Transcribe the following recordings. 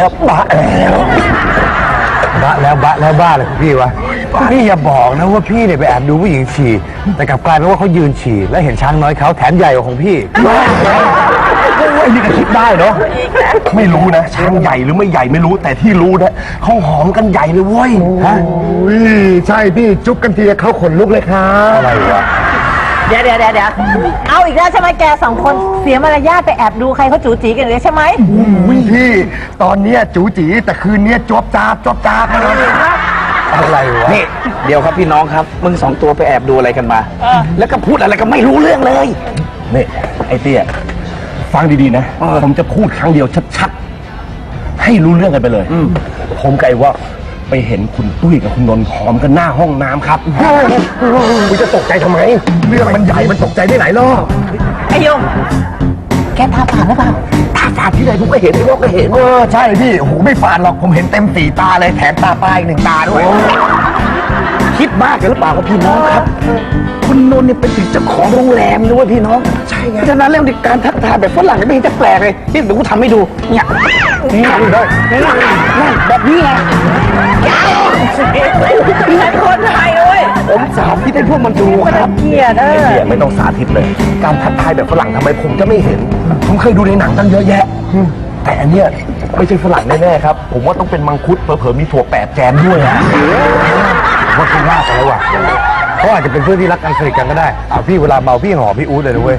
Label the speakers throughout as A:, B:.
A: แล้วบ้าเลยพี่วะพี่อย่าบอกนะว่าพี่เนี่ยไปแอบดูผู้หญิงฉี่แต่กลับกลายเป็นว่าเขายืนฉี่แล้วเห็นช้างน้อยเขาแถมใหญ่กว่าของพี่
B: ไอ้นี่ก็คิดได้เนาะไม่รู้นะช้างใหญ่หรือไม่ใหญ่ไม่รู้แต่ที่รู้นะเขาหอมกันใหญ่เลยเว้ยฮะ
C: ใช่พี่จุ๊บกันทีเขาขนลุกเลยครับ
A: อะไรวะ
D: เดี๋ยวเอาอีกแล้วใช่ไหมแกสองคนเสียมารยาทไปแอบดูใครเขาจู๋จีกันเลยใช่ไหม
C: พี่ตอนเนี้ยจู๋จีแต่คืนเนี้ยจ๊อบจ้าบเลย
A: อะไรวะ
B: นี่เดี๋ยวครับพี่น้องครับมึงสองตัวไปแอบดูอะไรกันมาแล้วก็พูดอะไรก็ไม่รู้เรื่องเลยนี่ไอ้เตี้ยฟังดีๆนะผมจะพูดครั้งเดียวชัดๆให้รู้เรื่องกันไปเลยผมไกลว่าไปเห็นคุณตุ้ยกับคุณนนท์หอมกันหน้าห้องน้ำครับคุณจะตกใจทำไมเรื่องมันใหญ่มันตกใจได้หลายรอบ
D: ไอ้ยงแกตาฝาดหรือเปล่า
B: ตาฝาดที่ไหนผมก็เห็นไอ้นกก็เห็น
C: ใช่พี่โอ้โหไม่ฝาดหรอกผมเห็นเต็ม4 ตาเลยแถมตาปลายอีก1 ตาด้วย
B: คิดมากกันหรือเปล่าครับพี่น้องครับคุณนนท์เนี่ยเป็นถึงเจ้าของโรงแรมด้วยพี่น้องใช่ไงฉะนั้นเรื่องการทักทายแบบฝรั่งไม่เห็นจะแปลกเลยนี่เดี๋ยวกูทำให้ดูเนี่ยนี่แบบนี้ไง
D: ฉันคนไทยด้วย
B: ผมสาธิตให้พวกมันดูครับ
D: เกลียด
B: ไม่ต้องสาธิตเลยการทักทายแบบฝรั่งทำไมผมจะไม่เห็นผมเคยดูในหนังตั้งเยอะแยะแต่อันเนี้ยไม่ใช่ฝรั่งแน่ๆครับผมว่าต้องเป็นมังคุดเผลอๆมีถั่ว8 แจมด้วยนะ
A: ผมว่าเขาว่ากันแล้วว่ะเขาอาจจะเป็นเพื่อนที่รักกันสนิทกันก็ได้พี่เวลาเมาพี่หอมพี่อู๊ดเลยนะเว้ย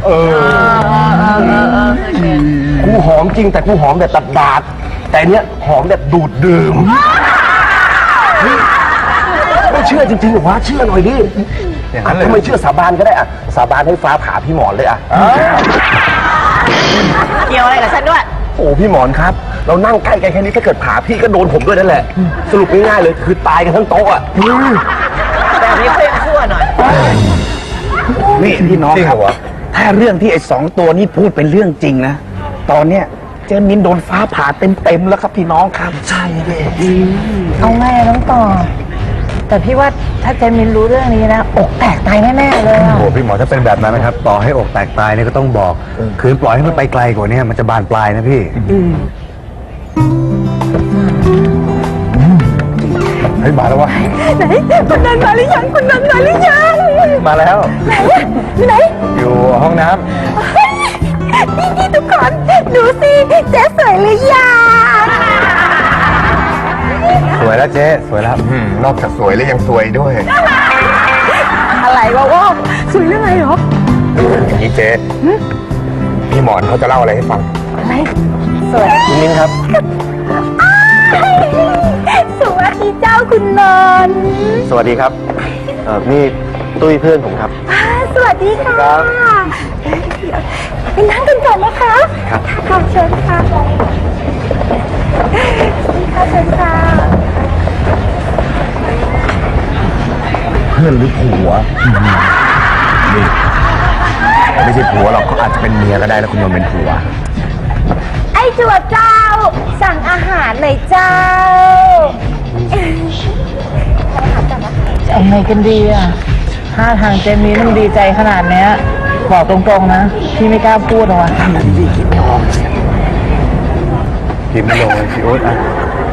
B: กูหอมจริงแต่กูหอมแบบตัดดาดแต่เนี้ยหอมแบบดูดดื่มไม่เชื่อจริงๆหรอวะเชื่อหน่อยดิถ้าไม่เชื่อสาบานก็ได้อะสาบานให้ฟ้าผ่าพี่หมอนเลยอะ
D: เกี่ยวอะไรกับฉันด้วย
B: โอ้พี่หมอนครับเรานั่งใกล้กันแค่นี้ถ้าเกิดผ่าพี่ก็โดนผมด้วยนั่นแหละสรุปง่ายๆเลยคือตายกันทั้งโต๊ะอะ
D: แต่นี้เขายังชั่วหน่อย
B: นี่พี่น้องครับถ้าเรื่องที่ไอ้2 ตัวนี้พูดเป็นเรื่องจริงนะตอนเนี้ยเจมินโดนฟ้าผ่าเต็มแล้วครับพี่น้องครับใช่เลย
D: เอาไงน้องต่อแต่พี่ว่าถ้าเจมินรู้เรื่องนี้นะอกแตกตายแน่ๆเลย
A: โอ้พี่หมอถ้าเป็นแบบนั้นนะครับต่อให้อกแตกตายเนี่ยก็ต้องบอกคืนปล่อยให้มันไปไกลกว่านี้มันจะบานปลายนะพี่เฮ้ยมาแล้ววะ
D: ไหนคุณนันมาหรือยังคุณนันมาหรือยัง
A: มาแล้ว
D: ไหน
A: อยู่ห้องน้ำ
D: นี่ทุกคนดูสิเจ๊สวยหรือยัง
A: สวยแล้วเจ๊สวยแล้ว
C: นอกจากสวยแล้วยังสวยด้วย
D: อะไรวะสวยเรื่องอะไรหรอ
C: อย่างนี้เจ๊พี่หมอนเขาจะเล่าอะไรให้ฟัง
D: อะไรสวย
A: คุณมิ้นครับ
D: สวัสดีเจ้าคุณนนท์
A: สวัสดีครับนี่ตุ้ยเพื่อนผมครับ
D: สวัสดีค่ะไปนั่งกันก่อนนะคะค่ะเชิญค่ะเชิญค่ะ
B: เพื่อนหรือผัวนี่ไม่ใช่ผัวหรอกเขาอาจจะเป็นเมียก็ได้แล้วคุณนนท์เป็นผัว
D: ไอ้จั่วเจ้าสั่งอาหารหน่อยเจ้าจะเอาไงกันดีอ่ะท่าทางเจนนี่มันดีใจขนาดเนี้ยบอกตรงๆนะพี่ไม่กล้าพูดหรอก
B: พี่คิดไม่ออก
A: พิมพ์ไม่ลงเลยพี่อุ๊ดอ่ะ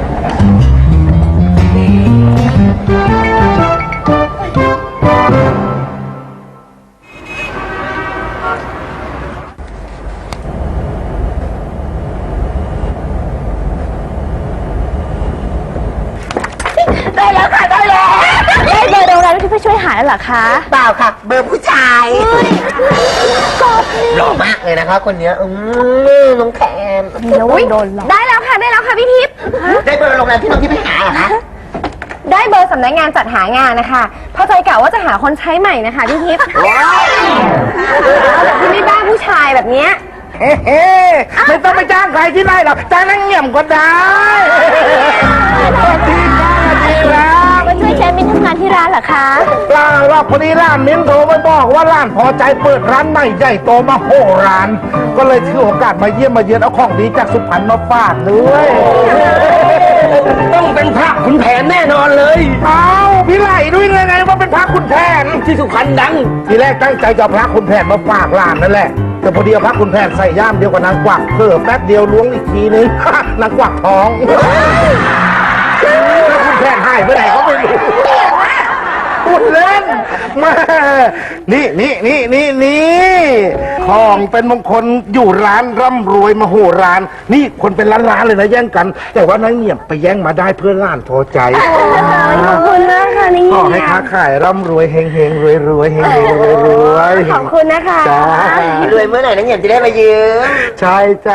D: ได้แล้วค่ะได้แล้วได้เบอร์โรงแรมที่ไปช่วยหาแล้วเหรอคะ
C: เปล่าค่ะเบอร์ผู้ชายหล่อมากเลยนะคะคนนี้น้องแคน
D: โดนได้แล้วค่ะพี่ทิพย์
C: ได้เบอร์โรงแรมที่น้องที่ไปหาเหรอคะ
D: ได้เบอร์สำนักงานจัดหางานนะคะพอใจกะว่าจะหาคนใช้ใหม่นะคะพี่ทิพย์ที่ไม่บ้าผู้ชายแบบเนี้ย
C: ไม่ต้องไปจ้างใครที่ไหนหรอกจ้างนั่งเงียบก็ได้สวัสดีครับ
D: มาช่วยเชฟมินทำงานที่ร้านเหรอคะ
C: ล่าพอดีร้านมิ้นโทรมาบอกว่าร้านพอใจเปิดร้านใหม่ใหญ่โตมาโหร้านก็เลยถือโอกาสมาเยี่ยมมาเยือนเอาของดีจากสุพรรณมาฝากด้วย
B: ต้องเป็นพระขุนแผนแน่นอนเลย
C: พี่ไหลด้วยไงว่าเป็นพระขุนแผน
B: ที่สุพรรณดัง
C: ทีแรกตั้งใจจะพระขุนแผนมาฝากร้านนั่นแหละแต่พอดีเอาพักคุณแพทย์ใส่ย่ามเดียวกับนางกวักเพิ่แป๊บเดียวล้วงอีกทีนึง นางกวักท้องแล้วคุณแพทย์หายไปไหนก็ไม่รู้พูดเล่นแมานี่ของเป็นมงคลอยู่ร้านร่ำรวยมโหฬารนี่คนเป็นล้านๆเลยนะแย่งกัน แต่ว่านางเงียบไปแย่งมาได้เพื่อล้านพอใจ
E: ขอบคุณมากค่ะนี่
C: ขอให้ค้าขายร่ำรวยเฮงเฮงรวยรวยเฮงเฮงรวยรวย
E: ขอบคุณนะคะ
C: จ้าร
F: วยเมื่อไหร่นะเงียบจะได้มายืม
C: ใช่จ้ะ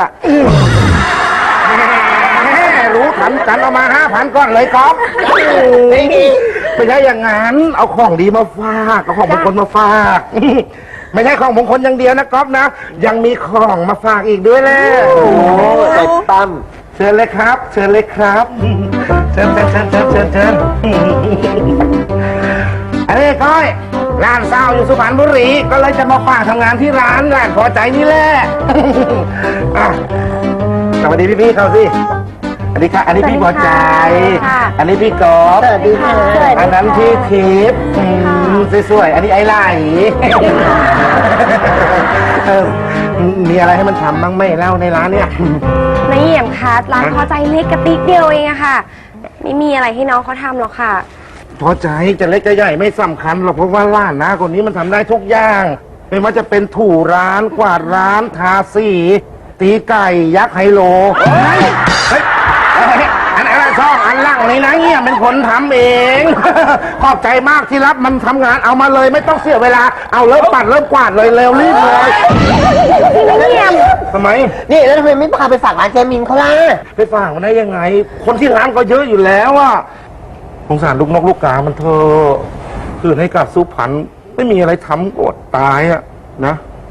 C: รู้ทันกันเอามา5,000ก้อนเลยก๊อฟไม่ใช่อย่างนั้นเอาของดีมาฝากเอาของมงคลมาฝาก ไม่ใช่ของมงคลอย่างเดียวนะก๊อฟนะ ยังมีของมาฝากอีกด้วยแหละ
F: ไอ้ตั้ม
C: เชิญเลยครับ เชิญเลยครับ เชิญอันนี้ก้อยร้านเศร้าอยู่สุพรรณบุรีก็เลยจะมาฝากทำงานที่ร้านพอใจนี่แหละ อ่ะสวัสดีพี่ๆเขาสิอันนี้ค่ะอันนี้พี่พอใจ อันนี้พี่กอล์ฟ
F: สวัสดีค่ะ
C: อันนั้นพี่ทิพย์สวยๆอันนี้ไอ้ไหลมีอะไรให้มันทำบ้างไหมเล่าในร้านเนี่ย
E: นายเยี่ยมคะร้านพอใจเล็กกระติกเดียวเองอะค่ะ ไม่มีอะไรให้น้องเขาทำหรอกค่ะ
C: พอใจจะเล็กจะใหญ่ไม่สำคัญหรอกเพราะว่าร้านนะคนนี้มันทำได้ทุกอย่างไม่ว่าจะเป็นถูร้านกวาดร้านทาสีตีไก่ยักษ์ไฮโลอันซ่องอันล่างนี่นะเงี้ยเป็นคนทำเอง ขอบใจมากที่รับมันทำงานเอามาเลยไม่ต้องเสียเวลาเอาเริ่มปัดเริ่มกวาดเลยเร็วรีบเลย
E: พี่เยี่ยม
C: ทำไม
F: นี่แล้วทำไมไม่พาไปฝากร้านแจมินเขาล่ะ
C: ไปฝากมันได้ยังไง คนที่ร้านก็เยอะอยู่แล้วอะสงสารลูกนกลูกกามันเธอะคืนให้กับสุพรรณไม่มีอะไรทำอดตายอะนะ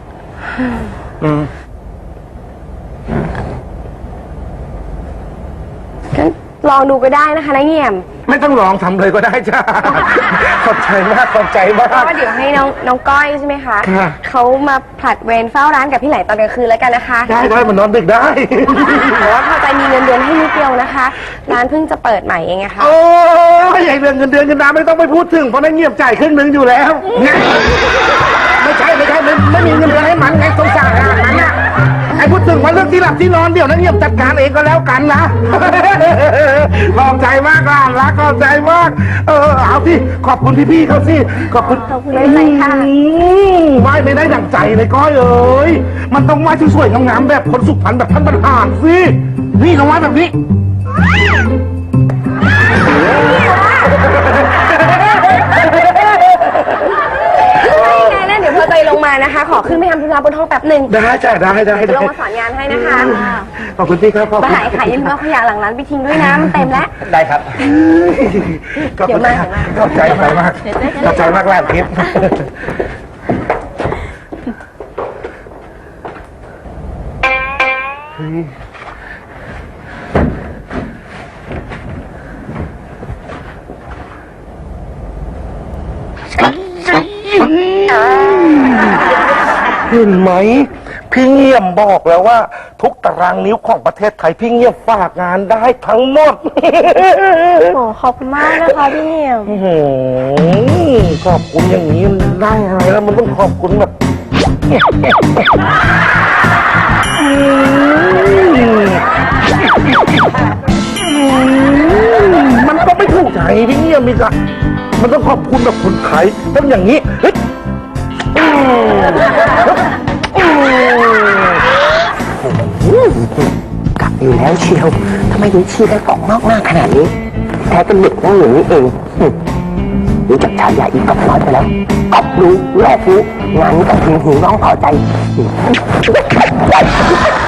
E: งั้นลองดูก็ได้นะคะนายเยี่ยม
C: ไม่ต้องลองทำเลยก็ได้จ้า ขอบใจมากขอบใจมาก
E: ก็เดี๋ยวให้น้องก้อยใช่ไหมคะ
C: ค่ะ
E: เขามาผลัดเวรเฝ้าร้านกับพี่ไหลตอนกลางคืนแล้วกันนะคะ
C: ได้มันนอนดึกได้
E: แต่ว่าพอใจมีเงินเดือนให้นิดเดียวนะคะ ร้านเพิ่งจะเปิดใหม่เองอะค่ะ
C: โอ้ยไอ้เรื่องเงินเดือนเงินดาวไม่ต้องไปพูดถึงเพราะนั่นเงียบจ่ายครึ่งหนึงอยู่แล้วไม่ใช่ไม่มีเงินเดือนให้มันไงสงสารขนาดนั้นน่ะไอ้พูดถึงว่าเรื่องที่หลับที่นอนเดี๋ยวนั้นเงียบจัดการเองก็แล้วกันนะ ขอบใจมากล่ะรักขอบใจมากเอาที่ขอบคุณพี่ๆเขาสิขอบคุณ
E: ขอบคุณไม่เป็นไรค่ะ
C: ไหว้ไม่ได้ดั่งใจเลยก้อยเอ้ยมันต้องไหว้ที่สวยงามๆแบบคนสุพรรณแบบท่านบรรหารสินี่ต้องไหว้แบบนี้
E: ไงนะเดี๋ยวพอใจลงมานะคะ ขอขึ้นไปทำธุระบนห้องแป๊บหนึ่ง
C: ได้จ้ะได้
E: จะลงมาสอนงานให้นะคะ
C: ขอบคุณพี่ครับขอบ
E: มา
C: คุณ
E: หายอย่าลืมเอาขยะหลังร้านไปทิ้งด้วยนะมันเต็มแล้ว
B: ได้ครับ
C: ขอบคุณครับขอบใจมากขอบใจมากแรกทิพย์เห็นไหมพี่เงียบบอกแล้วว่า ทุกตารางนิ้วของประเทศไทยพี่เงียบฝากงานได้ทั้งหมด
E: โอ้ขอบคุณมากนะคะพี่เหี่ยม
C: ขอบคุณอย่างนี้มันได้อะไรแล้วมันต้องขอบคุณแบบมันก็ไม่ถูกใจพี่เงียบมีกะมันต้องขอบคุณแบบคนไทยต้องอย่างนี้เฮ้ย
F: กลับอยู่แล้วเชียวทำไมถึงชี้ได้กล่องนอกหน้าขนาดนี้แท้เป็นเด็กนั่งอย่างนี้เองรู้จักฉายาอีกกับน้อยไปแล้วกอบรู้แลกรู้งานนี้ต้องถึงหูน้องพอใจ